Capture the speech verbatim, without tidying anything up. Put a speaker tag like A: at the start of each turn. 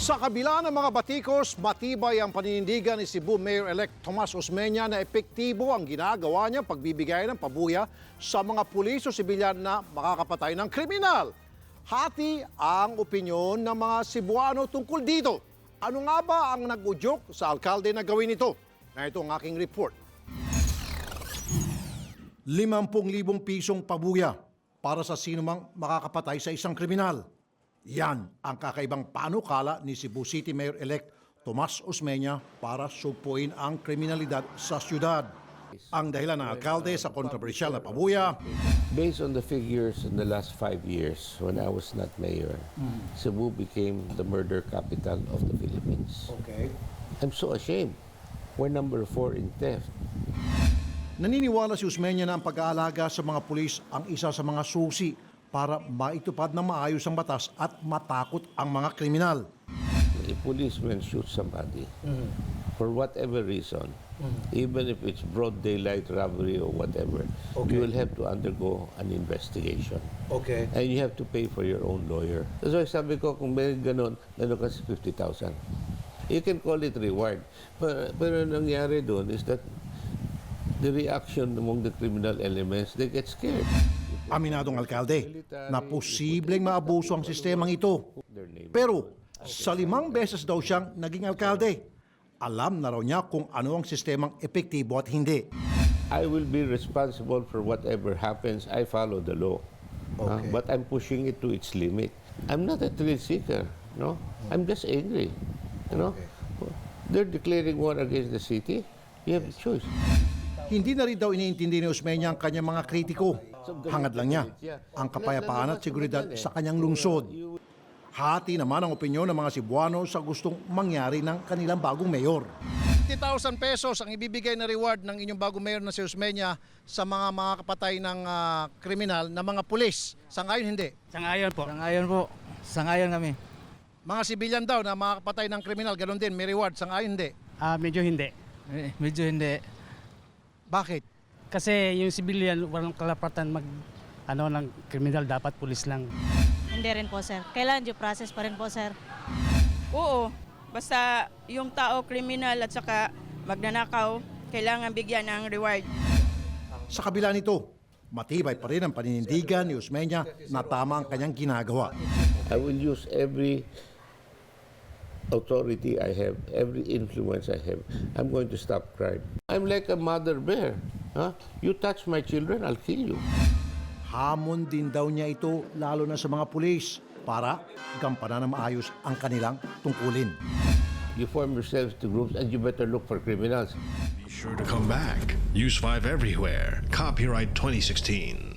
A: Sa kabila ng mga batikos, matibay ang paninindigan ni Cebu Mayor-elect Tomas Osmeña na epektibo ang ginagawa niya pagbibigay ng pabuya sa mga pulis o sibilyan na makakapatay ng kriminal. Hati ang opinyon ng mga Cebuano tungkol dito. Ano nga ba ang nag-udyok sa alkalde na gawin ito? Na ito ang aking report. limampu libong pisong pabuya para sa sinumang makakapatay sa isang kriminal. Yan ang kakaibang panukala ni Cebu City Mayor-elect Tomas Osmeña para supuin ang kriminalidad sa syudad. Ang dahilan ng alkalde sa kontrobersyal na pabuya,
B: Based on the figures in the last five years, when I was not mayor, Cebu became the murder capital of the Philippines.
A: okay.
B: I'm so ashamed. We're number four in theft.
A: Naniniwala si Osmeña na ang pag-aalaga sa mga pulis ang isa sa mga susi para maitupad ng maayos ang batas at matakot ang mga kriminal.
B: A policeman shoots somebody for whatever reason, even if it's broad daylight robbery or whatever,
A: Okay.
B: you will have to undergo an investigation.
A: Okay.
B: And you have to pay for your own lawyer. That's why sabi ko, kung may ganon, meron kasi fifty thousand. You can call it reward. Pero, pero nangyari doon is that the reaction among the criminal elements, they get scared.
A: Aminadong alkalde na posibleng maabuso ang sistemang ito. Pero sa limang beses daw siyang naging alkalde, alam na raw niya kung ano ang sistemang epektibo at hindi.
B: I will be responsible for whatever happens. I follow the law. Uh,
A: Okay.
B: but I'm pushing it to its limit. I'm not a thrill seeker. No? I'm just angry. You know? They're declaring war against the city. You have a choice.
A: Hindi na rin daw iniintindi ni Osmeña ang kanyang mga kritiko. Hangad lang niya ang kapayapaan at seguridad sa kanyang lungsod. Hati naman ang opinyon ng mga Cebuano sa gustong mangyari ng kanilang bagong mayor. fifty thousand pesos ang ibibigay na reward ng inyong bagong mayor na si Osmeña sa mga mga kapatay ng ah, kriminal na mga pulis. Sa ngayon hindi.
C: Sangayon po. Sangayon po. Sangayon kami.
A: Mga sibilyan daw na mga kapatay ng kriminal, ganoon din, may reward. Sa ngayon hindi.
C: Ah, medyo hindi. Eh, medyo hindi.
A: Bakit?
C: Kasi yung civilian walang kalapatan mag ano ng kriminal, dapat pulis lang.
D: Hindi rin po, sir. Kailangan due process pa rin po, sir.
E: Oo, basta yung tao kriminal at saka magnanakaw, kailangan bigyan ng reward.
A: Sa kabila nito, matibay pa rin ang paninindigan ni Osmeña na tama ang kanyang ginagawa.
B: I will use every authority I have, every influence I have. I'm going to stop crime. I'm like a mother bear. Huh? You touch my children, I'll kill you.
A: Hamon din daw niya ito lalo na sa mga pulis para gampanan na maayos ang kanilang tungkulin.
B: You form yourselves to groups and you better look for criminals.
F: Be sure to come back. Use five everywhere. Copyright twenty sixteen.